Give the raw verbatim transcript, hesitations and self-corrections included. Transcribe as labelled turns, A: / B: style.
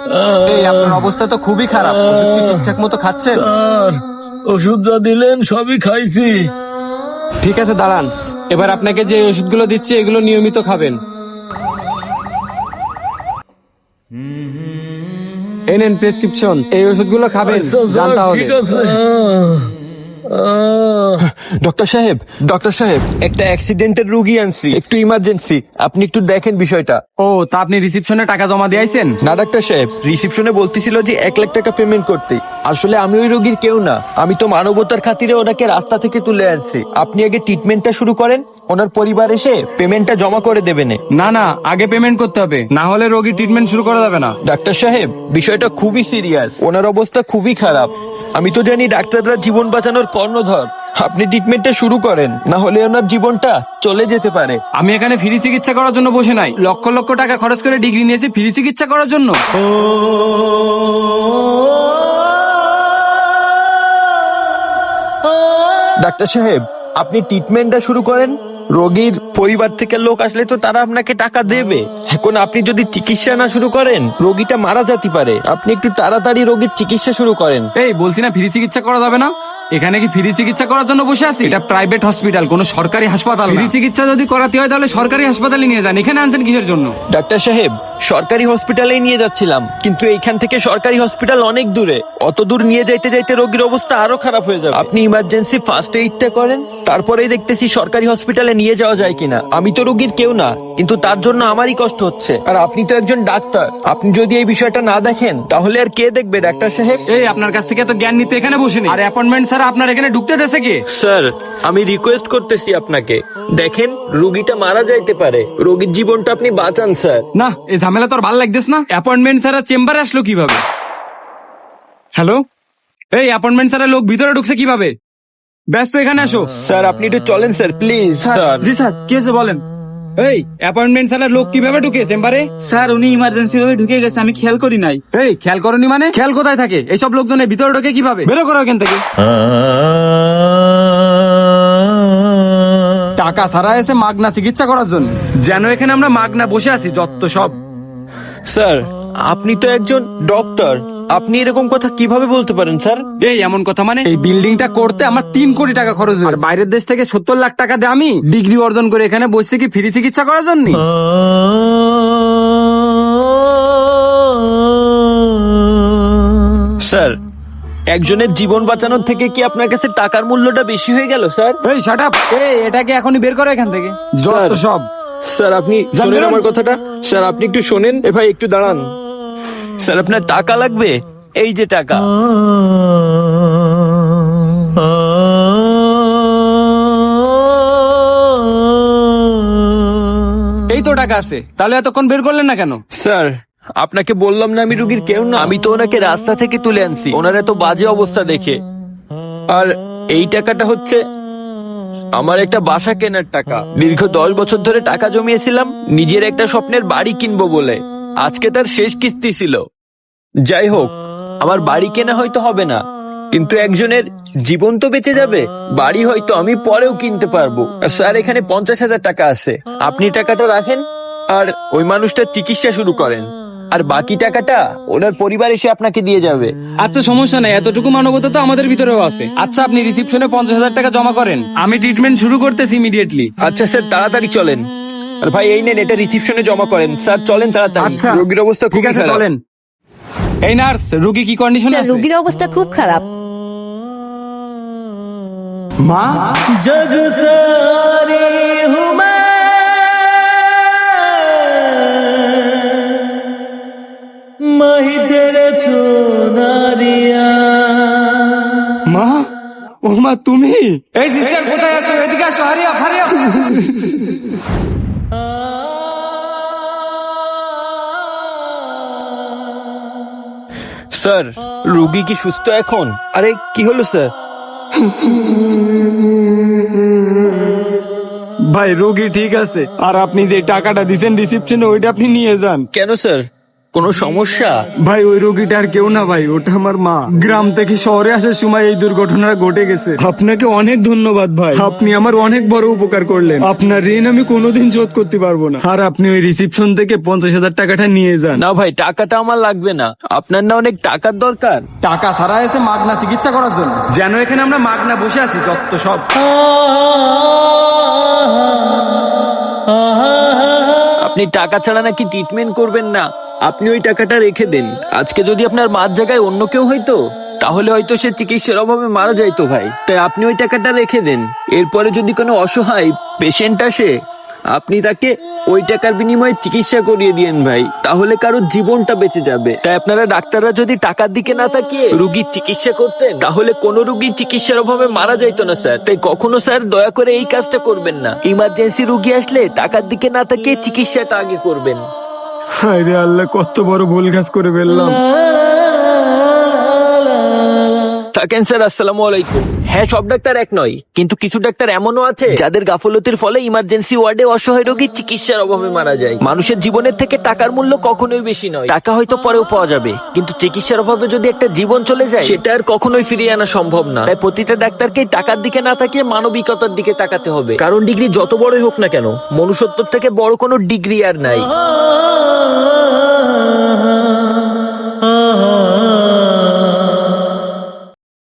A: এই আপনার অবস্থা তো খুবই খারাপ, ওষুধ কি ঠিকঠাক মতো খাচ্ছেন?
B: স্যার, ওষুধ যা দিলেন সবই খাইছি।
A: ঠিক আছে দাঁড়ান, এবার আপনাকে যে ওষুধগুলো দিচ্ছি এগুলো নিয়মিত খাবেন। এই নেন প্রেসক্রিপশন, এই ওষুধগুলো খাবেন।
B: আচ্ছা,
A: যান
B: স্যার,
A: তাহলে।
B: ঠিক আছে। আহ, আহ।
C: ডক্টর সাহেব, ডক্টর সাহেব, একটা অ্যাক্সিডেন্টের রুগী আনছি, একটু ইমার্জেন্সি, আপনি একটু দেখেন বিষয়টা।
A: ও, তা আপনি রিসিপশনে টাকা জমা দিয়ে আইছেন?
C: না ডাক্তার সাহেব, রিসিপশনে বলতেছিল যে এক লাখ টাকা পেমেন্ট করতে। আসলে আমি ওই রোগীর কেউ না, আমি তো মানবতার খাতিরে ওনাকে রাস্তা থেকে তুলে আনছি। আপনি আগে ট্রিটমেন্টটা শুরু করেন, ওনার পরিবার এসে পেমেন্টটা জমা করে দেবেন।
A: না না, আগে পেমেন্ট করতে হবে, না হলে রোগী ট্রিটমেন্ট শুরু করা যাবে না।
C: ডাক্তার সাহেব, বিষয়টা খুবই সিরিয়াস, ওনার অবস্থা খুবই খারাপ। আমি তো জানি ডাক্তাররা জীবন বাঁচানোর কর্ণধর। আপনি ট্রিটমেন্টটা শুরু করেন, না হলে ওনার জীবনটা চলে যেতে পারে।
A: আমি এখানে ফ্রি চিকিৎসা করার জন্য বসে নাই, লক্ষ লক্ষ টাকা খরচ করে ডিগ্রি নিয়েছি ফ্রি চিকিৎসা করার জন্য।
C: ডাক্তার সাহেব, আপনি ট্রিটমেন্টটা শুরু করেন। রোগীর পরিবার থেকে লোক আসলে তো তারা আপনাকে টাকা দেবে। এখন আপনি যদি চিকিৎসা না শুরু করেন, রোগীটা মারা যেতে পারে। আপনি একটু তাড়াতাড়ি রোগীর চিকিৎসা শুরু করেন।
A: এই বলছি না ফ্রি চিকিৎসা করা যাবে না? এখানে কি ফ্রি চিকিৎসা করার জন্য বসে আছি? এটা প্রাইভেট হসপিটাল, কোনো সরকারি হাসপাতাল। ফ্রি চিকিৎসা যদি করাতে হয় তাহলে সরকারি হাসপাতালে নিয়ে যান, এখানে আনছেন কিসের জন্য?
C: ডাক্তার সাহেব, সরকারি হসপিটালেই নিয়ে যাচ্ছিলাম, কিন্তু এইখান থেকে সরকারি হসপিটাল অনেক দূরে। অত দূর নিয়ে যাইতে যাইতে রোগীর অবস্থা আরো খারাপ হয়ে যাবে। আপনি ইমার্জেন্সি ফার্স্ট এইডটা করেন, তারপরেই দেখতেছি সরকারি হসপিটালে নিয়ে যাওয়া যায় কিনা। আমি তো রোগীর কেউ না, কিন্তু তার জন্য আমারই কষ্ট হচ্ছে। আর আপনি তো একজন ডাক্তার, আপনি যদি এই বিষয়টা না দেখেন তাহলে আর কে দেখবে ডাক্তার সাহেব?
A: এই আপনার কাছ থেকে তো জ্ঞান নিতে এখানে বসে নেই, আর অ্যাপয়েন্টমেন্ট ছাড়া আপনার এখানে ঢুকতে দেশে কে?
C: স্যার, আমি রিকোয়েস্ট করতেছি আপনাকে, দেখেন রোগীটা মারা যাইতে পারে, রোগীর জীবনটা আপনি বাঁচান স্যার।
A: না, এই ঝামেলা তোর ভালো লাগতেছ না? অ্যাপয়েন্টমেন্ট ছাড়া চেম্বারে আসলো কিভাবে? হ্যালো, এই অ্যাপয়েন্টমেন্ট ছাড়া লোক ভিতরে ঢুকছে কিভাবে? ব্যস্ত, এখানে আসো।
C: স্যার আপনি একটু চলেন স্যার, প্লিজ স্যার।
D: জি স্যার, কি হয়েছে বলেন।
A: এই অ্যাপয়েন্টমেন্ট ছাড়া লোক কিভাবে ঢুকে চেম্বারে?
D: স্যার উনি ইমার্জেন্সি ভাবে ঢুকে গেছে, আমি খেয়াল করি নাই।
A: এই খেয়াল করনি মানে? খেয়াল কোথায় থাকে? এইসব লোকজনের ভিতরে ঢোকে কিভাবে? বেরো করো এখান থেকে। টাকা ছাড়া এসে মাগনা চিকিৎসা করার জন্য, যেন এখানে আমরা মাগনা বসে আছি যত সব।
C: স্যার, আপনি তো একজন ডক্টর, আপনি এরকম কথা কিভাবে বলতে পারেন স্যার?
A: এই এমন কথা মানে? এই বিল্ডিংটা করতে আমার তিন কোটি টাকা খরচ হয়েছে, আর বাইরের দেশ থেকে সত্তর লাখ টাকা দিয়ে আমি ডিগ্রি অর্জন করে এখানে বসে কি ফ্রি চিকিৎসা করার জন্য?
C: স্যার, একজনের জীবন বাঁচানোর থেকে কি আপনার কাছে টাকার মূল্যটা বেশি হয়ে গেল স্যার?
A: এই শাট আপ, এই এটাকে এখনই বের করো এখান থেকে যত সব।
C: স্যার আপনি
A: যান,
C: শোনেন
A: বেরোন।
C: আমার কথাটা। স্যার আপনি একটু শোনেন। এ ভাই একটু দাঁড়ান। স্যার আপনার টাকা লাগবে, এই যে টাকা।
A: এই তো টাকা আছে, তাহলে এতক্ষণ বের করলেন না কেন?
C: স্যার, আপনাকে বললাম না আমি রুগীর কেউ না, আমি তো ওনাকে রাস্তা থেকে তুলে আনছি ওনার এত বাজে অবস্থা দেখে। আর এই টাকাটা হচ্ছে আমার একটা বাসা কেনার টাকা। দীর্ঘ দশ বছর ধরে টাকা জমিয়েছিলাম নিজের একটা স্বপ্নের বাড়ি কিনবো বলে। আজকে তার শেষ কিস্তি ছিল। যাই হোক, আমার বাড়ি কেনা হয়তো হবে না, কিন্তু একজনের জীবন তো বেঁচে যাবে। বাড়ি হয়তো আমি পরেও কিনতে পারবো। আর স্যার, এখানে পঞ্চাশ হাজার টাকা আছে, আপনি টাকাটা রাখেন আর ওই মানুষটার চিকিৎসা শুরু করেন। আর বাকি টাকাটা ওনার পরিবার এসে আপনাকে দিয়ে যাবে।
A: আচ্ছা সমস্যা নাই, এতটুকু মানবতা তো আমাদের ভিতরেও আছে। আচ্ছা আপনি রিসিপশনে পঞ্চাশ হাজার টাকা জমা করেন, আমি ট্রিটমেন্ট শুরু করতেছি ইমিডিয়েটলি।
C: আচ্ছা স্যার, তাড়াতাড়ি চলেন। আর ভাই এই নেন, এটা রিসিপশনে জমা করেন। স্যার চলেন তাড়াতাড়ি,
A: আচ্ছা
C: রোগীর অবস্থা
A: ঠিক
C: খুবই
A: আছে,
C: খারাপ।
A: চলেন। এই নার্স, রোগী কি কন্ডিশনে
E: স্যার
A: আছে?
E: রোগীর অবস্থা খুব খারাপ।
A: মা,
D: জগ সারি হুমা মাহি তেরে চোনারিয়া।
A: মা, ও মা তুমি? এই সিস্টার কোথায় আছো? এদিকে আসো, হারিয়া হারিয়া।
C: স্যার, রোগী কি সুস্থ এখন? আরে কি হলো স্যার?
A: ভাই রোগী ঠিক আছে, আর আপনি যে টাকাটা দিচ্ছেন রিসিপশনে ওইটা আপনি নিয়ে যান।
C: কেন স্যার? কোনো সমস্যা?
A: ভাই ওই রোগীটা আর কেউ না ভাই, ওটা আমার মা। গ্রাম থেকে শহরে আসার সময় এই দুর্ঘটনা ঘটে গেছে। আপনাকে অনেক ধন্যবাদ ভাই, আপনি আমার অনেক বড় উপকার করলেন। আপনার ঋণ আমি কোনোদিন শোধ করতে পারবো না। আর আপনি ওই রিসিপশন থেকে পঞ্চাশ হাজার টাকাটা নিয়ে যান।
C: না ভাই, টাকাটা আমার লাগবে না। আপনার না অনেক টাকার দরকার?
A: টাকা ছাড়া এসে মাগনা চিকিৎসা করার জন্য, যেন এখানে আমরা মাগনা বসে আছি যত সব।
C: আপনি টাকা ছাড়া নাকি ট্রিটমেন্ট করবেন না? আপনি ওই টাকাটা রেখে দেন। আজকে যদি আপনার মার জায়গায় অন্য কেউ হইতো, তাহলে হয়তো সে চিকিৎসার অভাবে মারা যাইতো ভাই। তাই আপনি ওই টাকাটা রেখে দেন। এরপরে যদি কোনো অসহায় পেশেন্ট আসে, আপনি তাকে ওই টাকার বিনিময়ে চিকিৎসা করিয়ে দিয়েন ভাই, তাহলে কারোর জীবনটা বেঁচে যাবে। তাই আপনারা ডাক্তাররা যদি টাকার দিকে না তাকিয়ে রুগীর চিকিৎসা করতেন, তাহলে কোনো রুগী চিকিৎসার অভাবে মারা যাইতো না স্যার। তাই কখনো স্যার দয়া করে এই কাজটা করবেন না। ইমার্জেন্সি রুগী আসলে টাকার দিকে না তাকিয়ে চিকিৎসাটা আগে করবেন।
A: হায় রে আল্লাহ, কত বড় ভুল কাজ করে ফেললাম।
C: থাকেন স্যার, আসসালামু আলাইকুম। হ্যাঁ, সব ডাক্তার এক নয়, কিন্তু কিছু ডাক্তার এমনও আছে যাদের গাফলতির ফলে ইমার্জেন্সি ওয়ার্ডে অসহায় রোগীর চিকিৎসার অভাবে মারা যায়। মানুষের জীবনের থেকে টাকার মূল্য কখনোই বেশি নয়। টাকা হয়তো পরেও পাওয়া যাবে, কিন্তু চিকিৎসার অভাবে যদি একটা জীবন চলে যায়, সেটা আর কখনোই ফিরিয়ে আনা সম্ভব না। তাই প্রতিটা ডাক্তারকে টাকার দিকে না তাকিয়ে মানবিকতার দিকে তাকাতে হবে। কারণ ডিগ্রি যত বড়ই হোক না কেন, মনুষ্যত্বের থেকে বড় কোনো ডিগ্রি আর নাই।